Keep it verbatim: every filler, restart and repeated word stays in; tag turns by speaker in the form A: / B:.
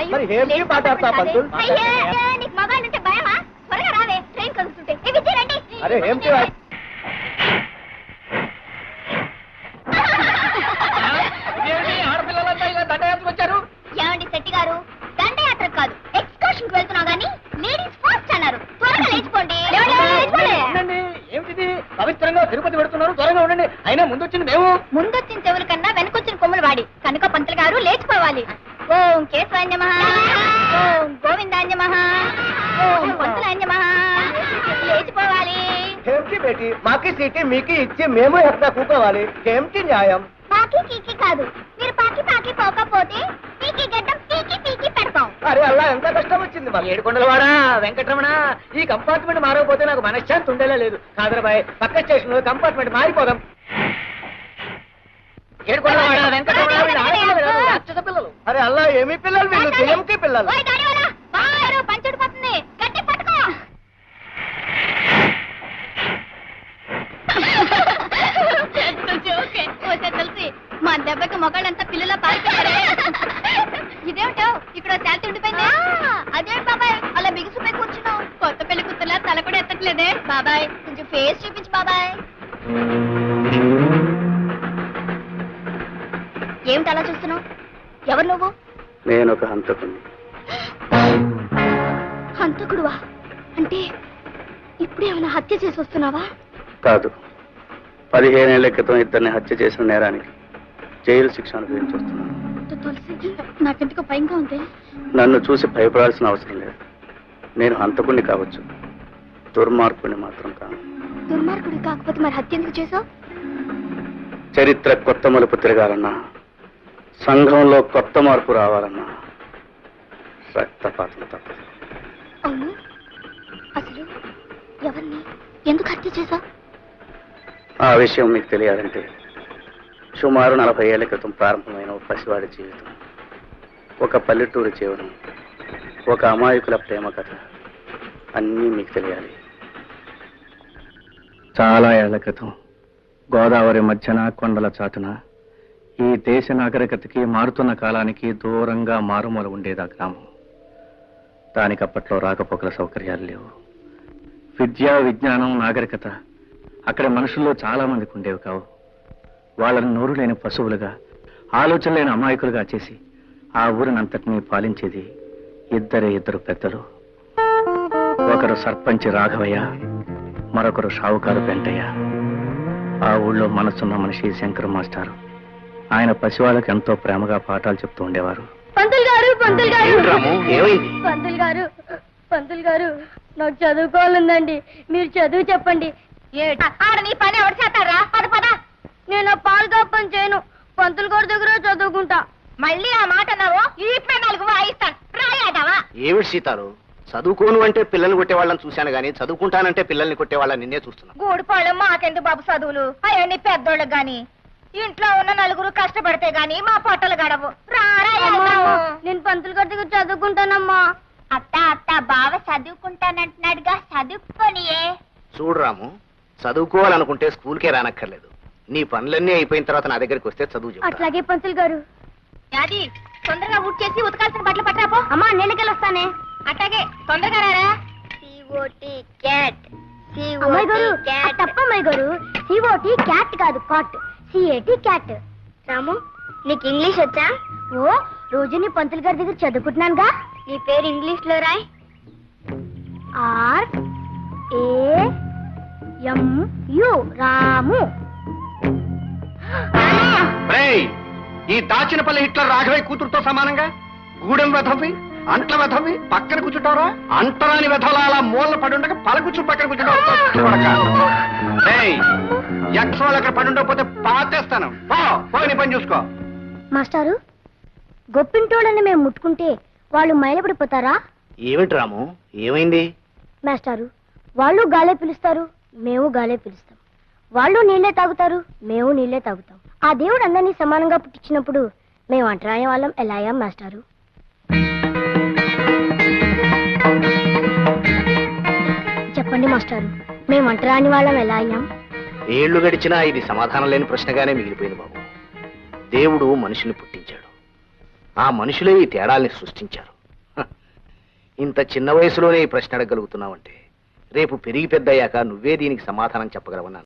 A: మరి ఏమి మాట్లాడతా పంతులు?
B: నీకు మగాళ్ళు అంటే భయమా? త్వరగా రావే, ట్రైన్ కలుస్తుంటే.
A: అరే ఏమిటి
C: ఆడపిల్లలంతా ఇలా దండయాత్రకు వచ్చారు?
B: ఏమండి శెట్టి గారు, దండయాత్ర కాదు, ఎక్స్కర్షన్ వెళ్తున్నావు గానీ లేడీస్ ఫస్ట్ అన్నారు. త్వరగా లేచిపోండి.
C: ఏమిటి పవిత్రంగా తిరుపతి పెడుతున్నారు? త్వరగా ఉండండి. అయినా ముందు వచ్చింది మేము.
B: ముందొచ్చిన చెవుల కన్నా వెనకొచ్చిన కొమ్ములు వాడి కనుక పంతులు గారు లేచిపోవాలి. ఓం కేశవాన్యమః, ఓం గోవిందాన్యమః, ఓం పంతులాన్యమః. లేచిపోవాలి.
A: ఏమిటి బేటి, మాకి సీటీ మీకు ఇచ్చి మేము ఎక్కడ కూకోవాలి? ఏమిటి న్యాయం?
B: పాకి కీకి కాదు, మీరు పాకి పాకి పోకపోతే పీకి గడ్డం పీకి పీకి పెడతాం.
A: అరే అలా ఎంత కష్టం వచ్చింది మాకు.
C: ఏడుకొండలవాడా వెంకటరమణ, ఈ కంపార్ట్మెంట్ మారకపోతే నాకు మనశ్శాంతి ఉండేలా లేదు. కాదరబాయ్, పక్క స్టేషన్ లో కంపార్ట్మెంట్ మారిపోదాం. ఏడుకొండలవాడా వెంకటరమణ, రాక్షస పిల్లలు.
A: అరే అలా ఏమి పిల్లలు వీళ్ళు? ఏమిటి పిల్లలు?
B: పంచుడిపోతుంది, గట్టి పట్టుకో. తెలిసి మా దెబ్బకి మొగాళ్ళంతా పిల్లల పారిపోయారే. ఇదేమిటో ఇక్కడ శాంతి ఉండిపోయింది. అదేంటి బాబాయ్ అలా బిగుసిపోయి కూర్చున్నావు? కొత్త పెళ్లి కూతురులా తల కూడా ఎత్తట్లేదే. బాబాయ్ కొంచెం ఫేస్ చూపించు బాబాయ్. ఏమిటి అలా చూస్తున్నావు? ఎవరు నువ్వు?
D: నేను ఒక హంతకుడిని.
B: హంతకుడువా? అంటే ఇప్పుడేమైనా హత్య చేసి వస్తున్నావా?
D: కాదు, పదిహేనేళ్ల క్రితం ఇద్దరిని హత్య చేసిన నేరానికి జైలు శిక్ష అనుభవించి వస్తున్నాను.
B: తులసి, నాకెందుకో భయంగా ఉంది.
D: నన్ను చూసి భయపడాల్సిన అవసరం లేదు. నేను హంతకుడిని కావచ్చు, దుర్మార్గుడిని మాత్రం కాను.
B: దుర్మార్గుడి కాకపోతే మరి హత్య ఎందుకు చేసావు?
D: చరిత్ర కొత్త మలుపు తిరగాలన్నా, సంఘంలో కొత్త మార్పు రావాలన్నా రక్తపాతం తప్పదు.
B: అవును, అసలు ఎవరిని ఎందుకు హత్య చేసావు?
D: ఆ విషయం మీకు తెలియాలంటే సుమారు నలభై ఏళ్ల క్రితం ప్రారంభమైన ఒక పసివాడి జీవితం, ఒక పల్లెటూరి జీవనం, ఒక అమాయకుల ప్రేమ కథ అన్నీ మీకు తెలియాలి. చాలా ఏళ్ల క్రితం గోదావరి మధ్యన కొండల చాటున ఈ దేశ నాగరికతకి మారుతున్న కాలానికి దూరంగా మారుమూల ఉండేది ఆ గ్రామం. దానికి అప్పట్లో రాకపోకల సౌకర్యాలు లేవు. విద్య, విజ్ఞానం, నాగరికత అక్కడ మనుషుల్లో చాలా మందికి ఉండేవి కావు. వాళ్ళని నోరు లేని పశువులుగా, ఆలోచన లేని అమాయకులుగా చేసి ఆ ఊరినంతటినీ పాలించేది ఇద్దరే ఇద్దరు పెద్దలు. ఒకరు సర్పంచ్ రాఘవయ్య, మరొకరు షావుకారు వెంటయ్య. ఆ ఊళ్ళో మనసున్న మనిషి శంకర్ మాస్టారు. ఆయన పసివాళ్ళకి ఎంతో ప్రేమగా పాఠాలు చెప్తూ ఉండేవారు.
B: పంతులు గారు, పంతులు గారు,
D: ఏమైంది?
B: పంతులు గారు, పంతులు గారు, నాకు చదువుకోవాలందండి. మీరు చదువు చెప్పండి. ఆడ నీ పని ఎవరు చేస్తారా? పద పద. నేను పాలు కప్పని చేయను, పంతులు గారి దగ్గర చదువుకుంటా. మళ్ళీ ఆ మాట అన్నావు, ఈ నాలుగు వాయిస్తాను. రాయాదావా?
E: ఏమిటి సీతారు, చదువుకోను అంటే పిల్లల్ని కొట్టేవాళ్ళని చూశాను గానీ చదువుకుంటానంటే పిల్లల్ని కొట్టేవాళ్ళని నిన్నే చూస్తున్నా.
B: గూడిపాళ్ళం మాకెందుకు బాబు చదువులు? అవన్నీ పెద్దోళ్ళకి గాని, ఇంట్లో ఉన్న నలుగురు కష్టపడితే గాని మా పొట్టలు గడవు. నేను పంతులు గారి దగ్గర చదువుకుంటానమ్మా. అత్త అత్త బావ చదువుకుంటానంటున్నాడుగా, చదువుకోనియే.
E: చూడు రాము, చదువుకోవాలనుకుంటే స్కూల్కే రానక్కర్లేదు. నీ పనులన్నీ అయిపోయిన తర్వాత నా దగ్గరికి వస్తే చదువు చెప్తా.
B: అట్లాగే పంతులు గారు. అది తొందరగా ఊట్ చేసి ఉతకాల్సిన బట్టలు పట్టరాపో. అమ్మా నేనకెళ్ళి వస్తానే. అట్లాగే తొందరగా రారా. C O T cat. అమ్మాయి గారు తప్పమ్మాయి గారు, సిఓటి క్యాట్ కాదు, కాట్. C A T cat. రాము, నీకు ఇంగ్లీష్ వచ్చా? ఓ, రోజు నీ పంతులు గారి దగ్గర చదువుకుంటున్నానుగా. నీ పేరు ఇంగ్లీష్ లో రాయ్. R A M U, Ramu.
E: ఈ దాచినపల్లి హిట్లర్ రాఘవయ్య కూతురుతో సమానంగా గూడెం వెధవి, అంట్ల వెధవి పక్కన కూర్చుంటారా? అంటరాని వెధవలా అలా మూల పడుండగా పలకూర్చు పక్కన కూర్చుంటావు. యక్షోలు అక్కడ పడుండకపోతే పాతేస్తాను. పో, నీ పని చూసుకో.
B: మాస్టారు, గొప్పింటోళ్ళని మేము ముట్టుకుంటే వాళ్ళు మైలపడిపోతారా?
E: ఏమిటి రాము, ఏమైంది?
B: మాస్టారు, వాళ్ళు గాలే పిలుస్తారు, మేము గాలే పిలుస్తాం. వాళ్ళు నీళ్లే తాగుతారు, మేము నీళ్లే తాగుతాం. ఆ దేవుడు అందరినీ సమానంగా పుట్టించినప్పుడు మేము అంటరాని వాళ్ళం ఎలా అయ్యాం మాస్టారు? చెప్పండి మాస్టారు, మేము అంటరాని వాళ్ళం ఎలా అయ్యాం?
E: ఏళ్లు గడిచినా ఇది సమాధానం లేని ప్రశ్నగానే మిగిలిపోయింది బాబు. దేవుడు మనుషుల్ని పుట్టించాడు, ఆ మనుషులే ఈ తేడాల్ని సృష్టించారు.
A: ఇంత చిన్న వయసులోనే ఈ ప్రశ్న అడగలుగుతున్నావంటే రేపు పెరిగి పెద్దయ్యాక నువ్వే దీనికి సమాధానం చెప్పగలవన్నాను.